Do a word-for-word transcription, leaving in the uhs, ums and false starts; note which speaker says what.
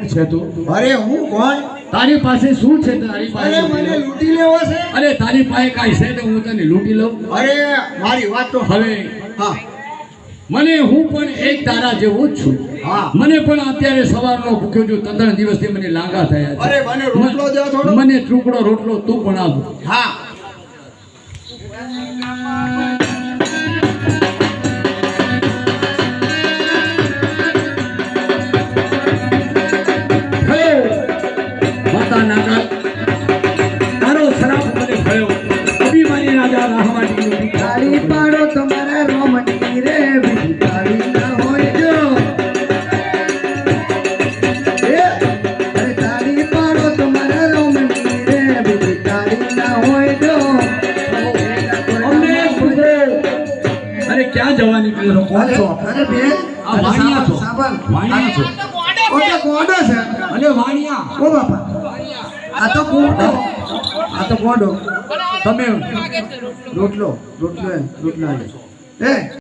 Speaker 1: છે તું?
Speaker 2: અરે હું કોણ?
Speaker 1: તારી પાસે શું છે? તારી પાસે
Speaker 2: અરે મને લૂંટી લેવો છે.
Speaker 1: અરે તારી પાસે કાંઈ છે તો હું તને લૂંટી લઉં?
Speaker 2: અરે મારી વાત તો
Speaker 1: હવે
Speaker 2: હા
Speaker 1: મને હું પણ એક તારા જેવો જ છું.
Speaker 2: હા
Speaker 1: મને પણ અત્યારે સવારનો ભૂખ્યો છું. ત્રણ દિવસથી મને લાંગા થયા છે.
Speaker 2: અરે મને રોટલો દો થોડો.
Speaker 1: મને ટુકડો રોટલો તું પણ આપ.
Speaker 2: હા
Speaker 1: માતા નાગા તારો શ્રાપ મને થયો. અભિમાની રાજા રાહવાડી
Speaker 3: તાળી પાડો તમારા રોમની રે બીજી તાળી ના હોય જો એ અરે તાળી પાડો તમારા રોમની રે બીજી તાળી ના હોય જો
Speaker 1: અમને પૂછો. અરે ક્યાં જવાની પેલો કોણ છો?
Speaker 3: અરે બેન
Speaker 1: આ વાણિયા છો?
Speaker 3: સાબન
Speaker 1: વાણિયા છો?
Speaker 3: ઓકે ગોડો છે
Speaker 1: અરે વાણિયા
Speaker 3: ઓ બાપા આ તો ગોડો આ તો ગોડો
Speaker 1: તમે
Speaker 3: રોટલો રોટલો એ રોટલા એ